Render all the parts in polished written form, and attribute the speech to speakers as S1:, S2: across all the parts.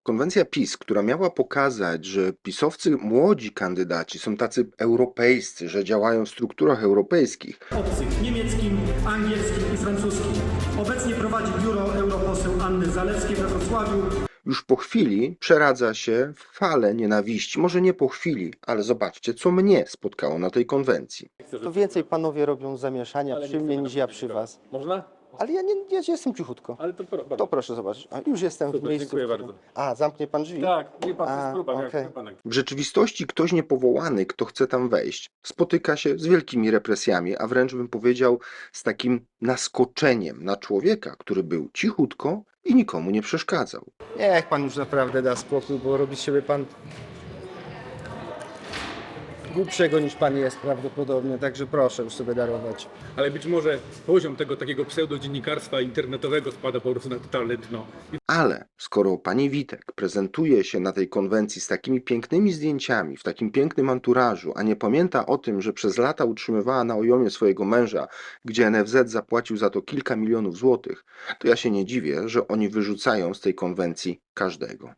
S1: Konwencja PiS, która miała pokazać, że pisowcy młodzi kandydaci są tacy europejscy, że działają w strukturach europejskich,
S2: obcych niemieckim, angielskim i francuskim. Obecnie prowadzi biuro europoseł Anny Zalewskiej we Wrocławiu.
S1: już po chwili przeradza się w falę nienawiści. Może nie po chwili, ale zobaczcie, co mnie spotkało na tej konwencji.
S3: To więcej panowie robią zamieszania przy mnie niż ja przy was.
S4: Można?
S3: Ale ja jestem cichutko.
S4: Ale to
S3: To proszę zobaczyć. A, już jestem w
S4: Super,
S3: miejscu.
S4: dziękuję
S3: w którym-
S4: bardzo.
S3: A, zamknie pan drzwi?
S4: Tak, nie pan, to
S3: A,
S4: jest próba,
S3: okej.
S4: jak pan.
S1: W rzeczywistości ktoś niepowołany, kto chce tam wejść, spotyka się z wielkimi represjami, a wręcz bym powiedział z takim naskoczeniem na człowieka, który był cichutko i nikomu nie przeszkadzał.
S3: Niech pan już naprawdę da spokój, bo robi z siebie pan głupszego niż pan jest prawdopodobnie, także proszę już sobie darować.
S4: Ale być może poziom tego takiego pseudodziennikarstwa internetowego spada po prostu na totalne dno.
S1: Ale skoro pani Witek prezentuje się na tej konwencji z takimi pięknymi zdjęciami, w takim pięknym anturażu, a nie pamięta o tym, że przez lata utrzymywała na ojomie swojego męża, gdzie NFZ zapłacił za to kilka milionów złotych, to ja się nie dziwię, że oni wyrzucają z tej konwencji każdego.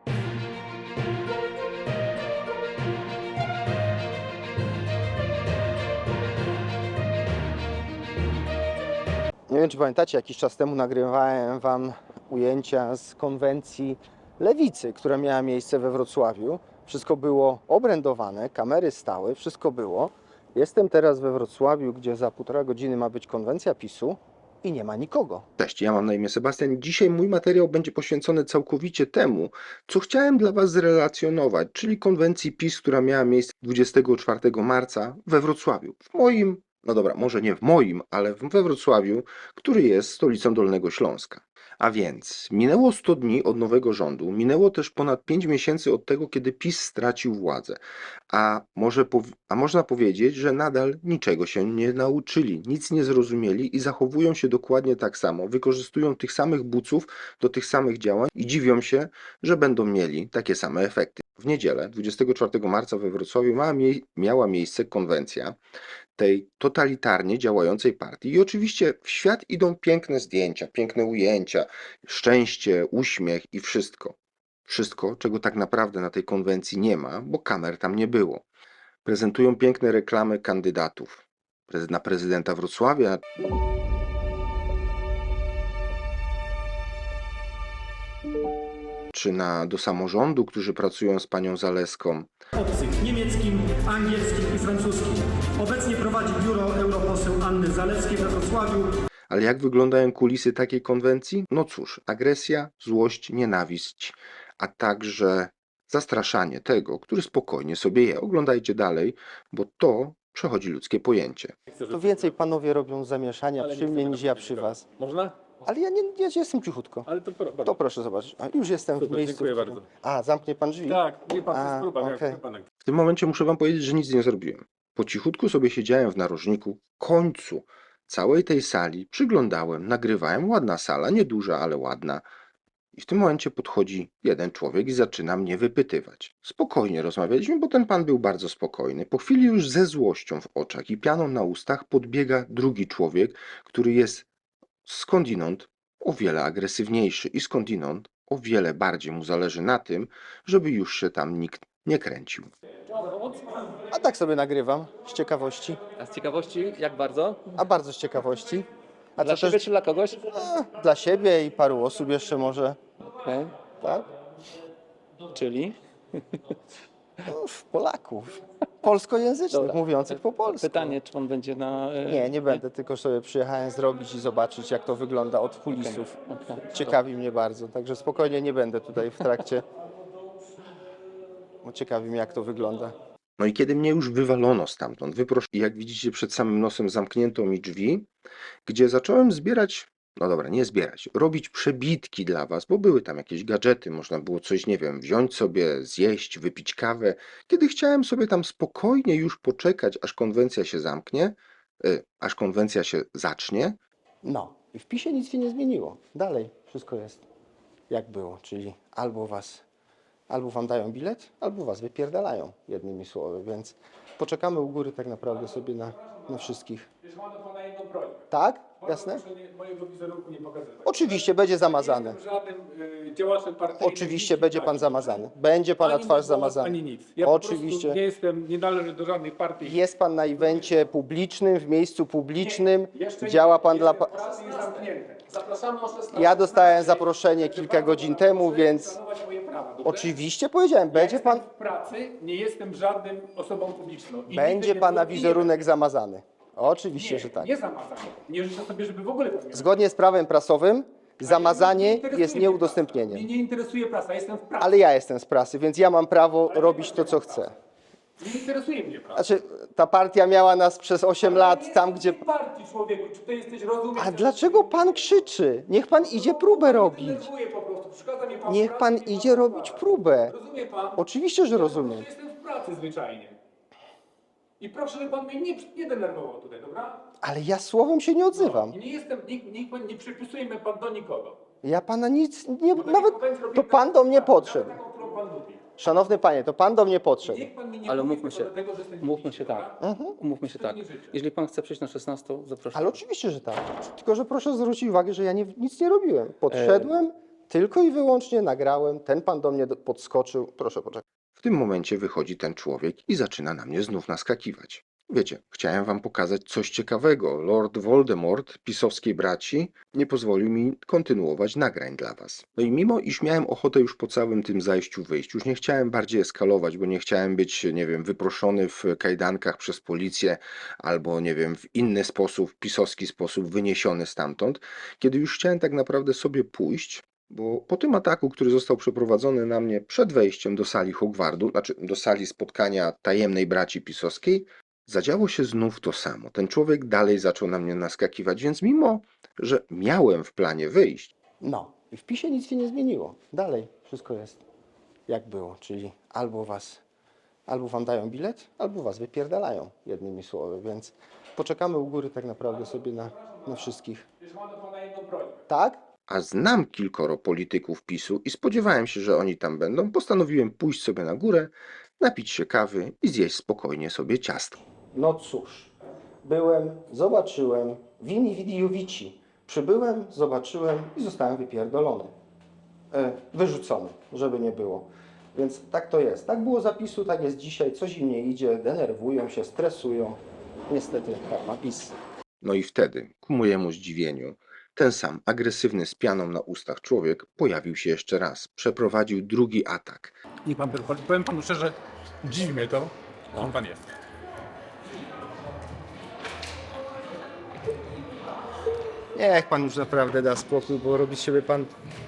S3: Nie wiem, czy pamiętacie, jakiś czas temu nagrywałem wam ujęcia z konwencji Lewicy, która miała miejsce we Wrocławiu. Wszystko było obrędowane, kamery stały, wszystko było. Jestem teraz we Wrocławiu, gdzie za 1,5 godziny ma być konwencja PiS-u i nie ma nikogo.
S1: Cześć, ja mam na imię Sebastian. Dzisiaj mój materiał będzie poświęcony całkowicie temu, co chciałem dla Was zrelacjonować, czyli konwencji PiS, która miała miejsce 24 marca we Wrocławiu. W moim, no dobra, może nie w moim, ale we Wrocławiu, który jest stolicą Dolnego Śląska. A więc minęło 100 dni od nowego rządu, minęło też ponad 5 miesięcy od tego, kiedy PiS stracił władzę. A można powiedzieć, że nadal niczego się nie nauczyli, nic nie zrozumieli i zachowują się dokładnie tak samo. Wykorzystują tych samych buców do tych samych działań i dziwią się, że będą mieli takie same efekty. W niedzielę, 24 marca we Wrocławiu miała miejsce konwencja tej totalitarnie działającej partii. I oczywiście w świat idą piękne zdjęcia, piękne ujęcia, szczęście, uśmiech i wszystko. Wszystko, czego tak naprawdę na tej konwencji nie ma, bo kamer tam nie było. Prezentują piękne reklamy kandydatów na prezydenta Wrocławia, czy do samorządu, którzy pracują z panią Zalewską.
S2: Obcych niemieckim, angielskim i francuskim. Obecnie prowadzi biuro europoseł Anny Zalewskiej we Wrocławiu.
S1: Ale jak wyglądają kulisy takiej konwencji? No cóż, agresja, złość, nienawiść, a także zastraszanie tego, który spokojnie sobie je. Oglądajcie dalej, bo to przechodzi ludzkie pojęcie.
S3: To więcej panowie robią zamieszania przy mnie niż ja przy was.
S4: Można?
S3: Ale ja jestem cichutko.
S4: Ale to
S3: To proszę zobaczyć. A, już jestem w
S4: Super,
S3: miejscu.
S4: dziękuję
S3: w którym-
S4: bardzo.
S3: A, zamknie pan drzwi?
S4: Tak, nie pan, to
S3: A,
S4: jest próba,
S3: okej.
S4: jak pan.
S1: W tym momencie muszę wam powiedzieć, że nic nie zrobiłem. Po cichutku sobie siedziałem w narożniku, końcu całej tej sali, przyglądałem, nagrywałem. Ładna sala, nieduża, ale ładna. I w tym momencie podchodzi jeden człowiek i zaczyna mnie wypytywać. Spokojnie rozmawialiśmy, bo ten pan był bardzo spokojny. Po chwili już ze złością w oczach i pianą na ustach podbiega drugi człowiek, który jest skądinąd o wiele agresywniejszy i skądinąd o wiele bardziej mu zależy na tym, żeby już się tam nikt nie kręcił.
S3: A tak sobie nagrywam, z ciekawości.
S5: A z ciekawości, jak bardzo?
S3: A bardzo z ciekawości. A
S5: Dla
S3: co
S5: siebie
S3: też
S5: czy dla kogoś?
S3: dla siebie i paru osób jeszcze może,
S5: Okej.
S3: tak?
S5: Czyli?
S3: No, Polaków. Polskojęzycznych,
S5: Dobra.
S3: mówiących po polsku.
S5: Pytanie, czy on będzie na...
S3: Nie będę, tylko sobie przyjechałem zrobić i zobaczyć, jak to wygląda od kulisów.
S5: Okej.
S3: Ciekawi mnie bardzo, także spokojnie nie będę tutaj w trakcie. Bo ciekawi mnie, jak to wygląda.
S1: No i kiedy mnie już wywalono stamtąd, wyproszono, jak widzicie przed samym nosem zamknięto mi drzwi, gdzie zacząłem zbierać, no dobra, nie zbierać, robić przebitki dla was, bo były tam jakieś gadżety, można było coś, nie wiem, wziąć sobie, zjeść, wypić kawę. Kiedy chciałem sobie tam spokojnie już poczekać, aż konwencja się zamknie, aż konwencja się zacznie,
S3: No i w PiSie nic się nie zmieniło. Dalej wszystko jest jak było, czyli albo wam dają bilet, albo was wypierdalają, jednymi słowy, więc poczekamy u góry tak naprawdę sobie na wszystkich.
S4: Już mam do pana jedną prośbę.
S3: Tak? Jasne?
S4: Proszę mojego wizerunku nie pokazywać.
S3: Oczywiście będzie zamazane.
S4: Nie jestem żadnym działaczem partyjnym.
S3: Oczywiście
S4: nic
S3: będzie
S4: takiego.
S3: pan zamazany. Będzie pana
S4: Ani
S3: twarz
S4: mój głos,
S3: zamazana.
S4: Ani nic. Ja
S3: Oczywiście.
S4: Po prostu nie należę do żadnej partii.
S3: Jest pan na evencie publicznym, w miejscu publicznym.
S4: Jeszcze nie.
S3: Działa pan dla...
S4: Pracy jest zamknięte. Zapraszamy o 16.
S3: Ja dostałem zaproszenie kilka godzin temu, więc
S4: Szanować moje prawa, dobrze?
S3: oczywiście powiedziałem, będzie pan,
S4: W pracy nie jestem żadnym osobą publiczną. I
S3: będzie
S4: nigdy nie
S3: pana
S4: byłem i
S3: wizerunek zamazany. Oczywiście,
S4: nie,
S3: że tak.
S4: Nie zamazany. Nie życzę sobie, żeby w ogóle pan miał.
S3: Zgodnie z prawem prasowym zamazanie
S4: interesuje
S3: jest
S4: mnie
S3: nieudostępnieniem.
S4: prasa. Mnie nie interesuje prasa, jestem w pracy.
S3: Ale ja jestem z prasy, więc ja mam prawo robić to, co chcę.
S4: Nie interesuje mnie prasa.
S3: Znaczy, ta partia miała nas przez 8 lat tam, gdzie...
S4: W partii, człowieku, czy ty jesteś rozumiesz?
S3: A dlaczego pan krzyczy? Niech pan idzie próbę robić.
S4: Denerwuje po prostu. Przeszkadza mnie pan w
S3: Niech
S4: pracy,
S3: pan
S4: nie
S3: idzie robić próbę.
S4: Rozumie pan?
S3: Oczywiście, że rozumiem.
S4: Jestem w pracy zwyczajnie. I proszę, żeby pan mnie nie denerwował tutaj, dobra?
S3: Ale ja słowem się nie odzywam.
S4: I nie jestem, nikt pan nie przypisuje mnie pan do nikogo.
S3: Ja pana nic nie...
S4: Bo takie
S3: Nawet
S4: konwencje
S3: to
S4: robimy
S3: pan do mnie
S4: nawet
S3: podszedł.
S4: taką, którą pan lubi.
S3: Szanowny panie, to pan do mnie podszedł.
S4: Niech pan mi nie
S5: Ale
S4: mówi
S5: umówmy
S4: tylko
S5: się.
S4: dlatego, że jestem
S5: Umówmy się
S4: dobra?
S5: tak. Umówmy się tak.
S4: nie życzę.
S5: Jeżeli pan chce przyjść na 16, zapraszam.
S3: Ale oczywiście, że tak. Tylko, że proszę zwrócić uwagę, że ja nic nie robiłem. Podszedłem, tylko i wyłącznie nagrałem, ten pan do mnie podskoczył. Proszę poczekać.
S1: W tym momencie wychodzi ten człowiek i zaczyna na mnie znów naskakiwać. Wiecie, chciałem wam pokazać coś ciekawego. Lord Voldemort, pisowskiej braci, nie pozwolił mi kontynuować nagrań dla was. No i mimo, iż miałem ochotę już po całym tym zajściu wyjść, już nie chciałem bardziej eskalować, bo nie chciałem być, nie wiem, wyproszony w kajdankach przez policję albo, nie wiem, w inny sposób, pisowski sposób wyniesiony stamtąd, kiedy już chciałem tak naprawdę sobie pójść, bo po tym ataku, który został przeprowadzony na mnie przed wejściem do sali Hogwartu, znaczy do sali spotkania tajemnej braci pisowskiej, zadziało się znów to samo. Ten człowiek dalej zaczął na mnie naskakiwać, więc mimo, że miałem w planie wyjść,
S3: No, i w PiSie nic się nie zmieniło. Dalej wszystko jest jak było, czyli albo wam dają bilet, albo was wypierdalają, jednymi słowy, więc poczekamy u góry tak naprawdę sobie na wszystkich.
S4: Już mam do pana jedną prośbę.
S3: Tak?
S1: a znam kilkoro polityków PiSu i spodziewałem się, że oni tam będą, postanowiłem pójść sobie na górę, napić się kawy i zjeść spokojnie sobie ciastko.
S3: No cóż, byłem, zobaczyłem, vini vidi vici. Przybyłem, zobaczyłem i zostałem wypierdolony. Wyrzucony, żeby nie było. Więc tak to jest. Tak było zapisu, tak jest dzisiaj. Coś im nie idzie, denerwują się, stresują. Niestety tak ma PiS.
S1: No i wtedy, ku mojemu zdziwieniu, ten sam agresywny z pianą na ustach człowiek pojawił się jeszcze raz. Przeprowadził drugi atak.
S4: Niech pan, powiem panu szczerze, dziwi mnie to, kim pan jest.
S3: Niech pan już naprawdę da spokój, bo robi z siebie pan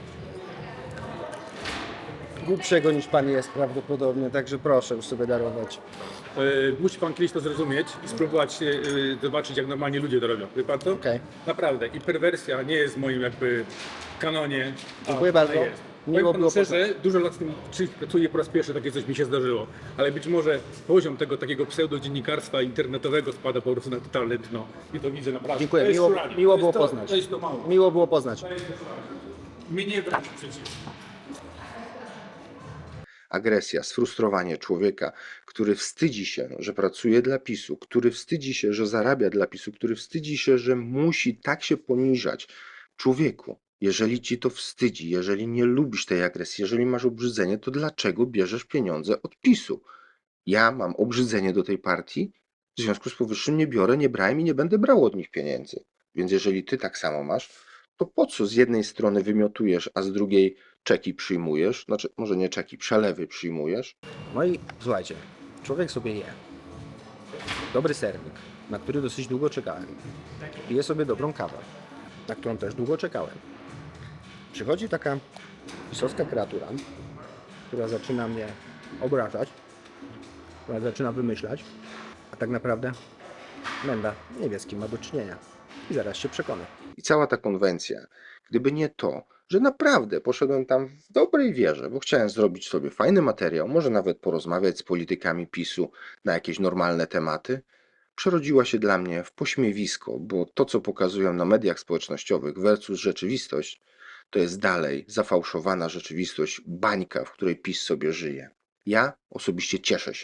S3: głupszego niż pan jest prawdopodobnie, także proszę już sobie darować.
S4: Musi pan kiedyś to zrozumieć i spróbować zobaczyć, jak normalnie ludzie to robią. Wie pan to?
S3: Okej.
S4: Naprawdę. I perwersja nie jest w moim jakby kanonie.
S3: Dziękuję
S4: a
S3: bardzo.
S4: ona jest.
S3: Miło
S4: Powiem
S3: było
S4: panu szczerze, dużo lat z tym pracuję po raz pierwszy, takie coś mi się zdarzyło. Ale być może poziom tego takiego pseudodziennikarstwa internetowego spada po prostu na totalne dno. I to widzę naprawdę.
S3: Dziękuję,
S4: To jest
S3: miło
S4: szuranie.
S3: było
S4: To jest to-
S3: poznać.
S4: To jest to mało.
S3: Miło było poznać.
S4: To jest to szuranie. Mnie wręcz przeciwnie.
S1: Agresja, sfrustrowanie człowieka, który wstydzi się, że pracuje dla PiSu, który wstydzi się, że zarabia dla PiSu, który wstydzi się, że musi tak się poniżać. Człowieku, jeżeli ci to wstydzi, jeżeli nie lubisz tej agresji, jeżeli masz obrzydzenie, to dlaczego bierzesz pieniądze od PiSu? Ja mam obrzydzenie do tej partii, w związku z powyższym nie biorę, nie brałem i nie będę brał od nich pieniędzy. Więc jeżeli ty tak samo masz, to po co z jednej strony wymiotujesz, a z drugiej czeki przyjmujesz? Znaczy, może nie czeki, przelewy przyjmujesz?
S3: No i słuchajcie, człowiek sobie je. Dobry sernik, na który dosyć długo czekałem. Pije sobie dobrą kawę, na którą też długo czekałem. Przychodzi taka pisowska kreatura, która zaczyna mnie obrażać, która zaczyna wymyślać, a tak naprawdę Menda nie wie, z kim ma do czynienia. I zaraz się przekona.
S1: I cała ta konwencja, gdyby nie to, że naprawdę poszedłem tam w dobrej wierze, bo chciałem zrobić sobie fajny materiał, może nawet porozmawiać z politykami PiSu na jakieś normalne tematy, przerodziła się dla mnie w pośmiewisko, bo to, co pokazują na mediach społecznościowych versus rzeczywistość, to jest dalej zafałszowana rzeczywistość, bańka, w której PiS sobie żyje. Ja osobiście cieszę się,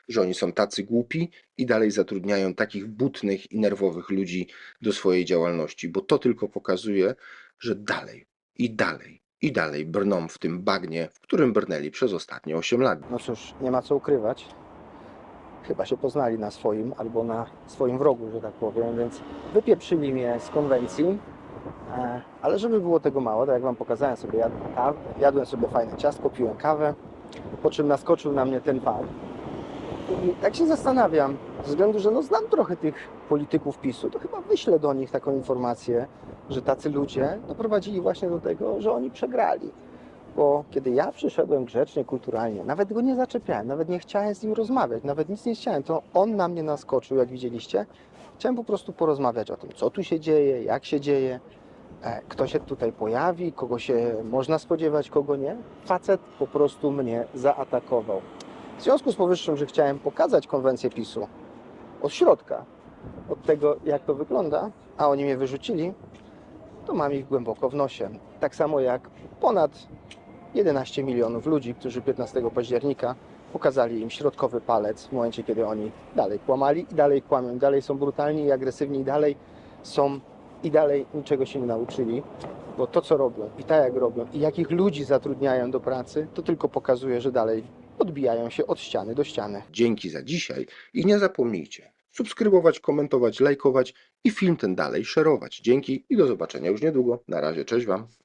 S1: że oni są tacy głupi i dalej zatrudniają takich butnych i nerwowych ludzi do swojej działalności, bo to tylko pokazuje, że dalej i dalej i dalej brną w tym bagnie, w którym brnęli przez ostatnie 8 lat.
S3: No cóż, nie ma co ukrywać. Chyba się poznali na swoim albo na swoim wrogu, że tak powiem, więc wypieprzyli mnie z konwencji. Ale żeby było tego mało, tak jak Wam pokazałem sobie, jadłem sobie fajne ciastko, piłem kawę, po czym naskoczył na mnie ten pan. I tak się zastanawiam, ze względu, że no znam trochę tych polityków PiS-u, to chyba wyślę do nich taką informację, że tacy ludzie doprowadzili właśnie do tego, że oni przegrali. Bo kiedy ja przyszedłem grzecznie, kulturalnie, nawet go nie zaczepiałem, nawet nie chciałem z nim rozmawiać, nawet nic nie chciałem, to on na mnie naskoczył, jak widzieliście. Chciałem po prostu porozmawiać o tym, co tu się dzieje, jak się dzieje, kto się tutaj pojawi, kogo się można spodziewać, kogo nie. Facet po prostu mnie zaatakował. W związku z powyższym, że chciałem pokazać konwencję PiS-u od środka, od tego, jak to wygląda, a oni mnie wyrzucili, to mam ich głęboko w nosie. Tak samo jak ponad 11 milionów ludzi, którzy 15 października pokazali im środkowy palec w momencie, kiedy oni dalej kłamali i dalej kłamią, dalej są brutalni i agresywni, i dalej niczego się nie nauczyli, bo to, co robią i tak jak robią i jakich ludzi zatrudniają do pracy, to tylko pokazuje, że dalej odbijają się od ściany do ściany.
S1: Dzięki za dzisiaj i nie zapomnijcie subskrybować, komentować, lajkować i film ten dalej szerować. Dzięki i do zobaczenia już niedługo. Na razie, cześć Wam.